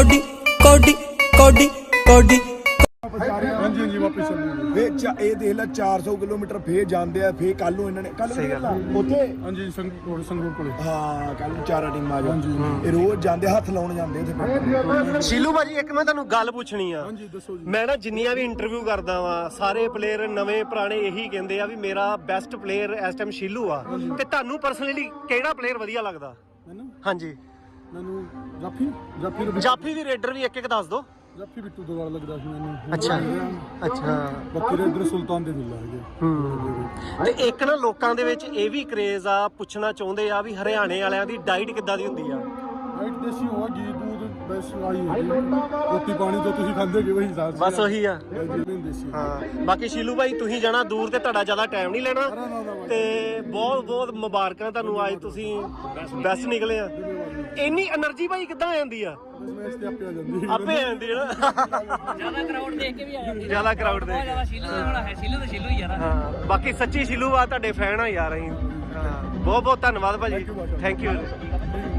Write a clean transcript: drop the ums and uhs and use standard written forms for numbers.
Cody Cody Cody Cody ਹਾਂਜੀ ਹਾਂਜੀ ਵਾਪਸ ਚੱਲੇ ਇਹ ਦੇਖ ਲੈ 400 ਕਿਲੋਮੀਟਰ ਫੇਰ ਜਾਂਦੇ ਆ ਫੇਰ ਕੱਲ ਨੂੰ ਇਹਨਾਂ ਨੇ ਕੱਲ ਉੱਥੇ ਹਾਂਜੀ ਸੰਗਰੂਰ ਕੋਲੇ ਹਾਂ ਕੱਲ ਨੂੰ ਚਾਰਾ ਟੀਮਾਂ ਆ ਜਾਣ ਇਹ ਰੋਜ਼ ਜਾਂਦੇ ਹੱਥ ਲਾਉਣ ਜਾਂਦੇ ਉੱਥੇ ਸ਼ੀਲੂ ਭਾਜੀ ਇੱਕ ਮੈਂ ਤੁਹਾਨੂੰ ਗੱਲ ਪੁੱਛਣੀ ਆ ਹਾਂਜੀ ਦੱਸੋ ਜੀ ਮੈਂ ਨਾ ਜਿੰਨੀਆਂ ਵੀ ਇੰਟਰਵਿਊ ਕਰਦਾ ਵਾਂ ਸਾਰੇ ਪਲੇਅਰ ਨਵੇਂ ਪੁਰਾਣੇ ਇਹੀ ਕਹਿੰਦੇ ਆ ਵੀ ਮੇਰਾ ਬੈਸਟ ਪਲੇਅਰ ਇਸ ਟਾਈਮ ਸ਼ੀਲੂ ਆ ਤੇ ਤੁਹਾਨੂੰ ਪਰਸਨਲੀ ਕਿਹੜਾ ਪਲੇਅਰ ਵਧੀਆ ਲੱਗਦਾ ਮੈਨੂੰ ਹਾਂਜੀ ਮੈਨੂੰ ਜਾਫੀ ਜਾਫੀ ਵੀ ਰੇਡਰ ਵੀ ਇੱਕ ਦੱਸ ਦਿਓ ਜਾਫੀ ਬਿੱਟੂ ਤੋਂ ਵਾਲਾ ਲੱਗਦਾ ਸੀ ਮੈਨੂੰ ਅੱਛਾ ਅੱਛਾ ਬਾਕੀ ਰੇਡਰ ਸੁਲਤਾਨ ਦੇ ਦੁੱਲਾ ਹੈਗੇ ਤੇ ਇੱਕ ਨਾ ਲੋਕਾਂ ਦੇ ਵਿੱਚ ਇਹ ਵੀ ਕਰੇਜ਼ ਆ ਪੁੱਛਣਾ ਚਾਹੁੰਦੇ ਆ ਵੀ ਹਰਿਆਣੇ ਵਾਲਿਆਂ ਦੀ ਡਾਈਟ ਕਿੱਦਾਂ ਦੀ ਹੁੰਦੀ ਆ ਰਾਈਟ ਦੇਸੀ ਹੋਆ ਘੀ दूध ਬਸ ਆਹੀ ਹੈ ਰੋਟੀ ਪਾਣੀ ਤੋਂ ਤੁਸੀਂ ਖਾਂਦੇ ਹੋ ਵਹੀ ਹਿਸਾਬ ਬਸ ਉਹੀ ਆ ਦੇਸੀ ਹਾਂ ਬਾਕੀ ਸ਼ੀਲੂ ਭਾਈ ਤੁਸੀਂ ਜਾਣਾ ਦੂਰ ਤੇ ਤੁਹਾਡਾ ਜ਼ਿਆਦਾ ਟਾਈਮ ਨਹੀਂ ਲੈਣਾ ਤੇ ਬਹੁਤ ਬਹੁਤ ਮੁਬਾਰਕਾਂ ਤੁਹਾਨੂੰ ਅੱਜ ਤੁਸੀਂ ਬੈਸਟ ਨਿਕਲੇ ਆ ਇੰਨੀ એનર્ਜੀ ਭਾਈ ਕਿੱਦਾਂ ਆ ਜਾਂਦੀ ਆ ਆਪੇ ਆ ਜਾਂਦੀ ਹੈ ਨਾ ਜ਼ਿਆਦਾ ਕਰਾਊਡ ਦੇਖ ਕੇ ਵੀ ਆ ਜਾਂਦੀ ਜ਼ਿਆਦਾ ਕਰਾਊਡ ਦੇਖ ਜ਼ਿਆਦਾ ਸ਼ੀਲੂ ਦਾ ਬੜਾ ਹੈ ਸ਼ੀਲੂ ਹੀ ਯਾਰ ਹਾਂ ਬਾਕੀ ਸੱਚੀ ਸ਼ੀਲੂ ਆ ਤੁਹਾਡੇ ਫੈਨ ਆ ਯਾਰ ਅਸੀਂ ਬਹੁਤ ਬਹੁਤ ਧੰਨਵਾਦ ਭਾਜੀ ਥੈਂਕ ਯੂ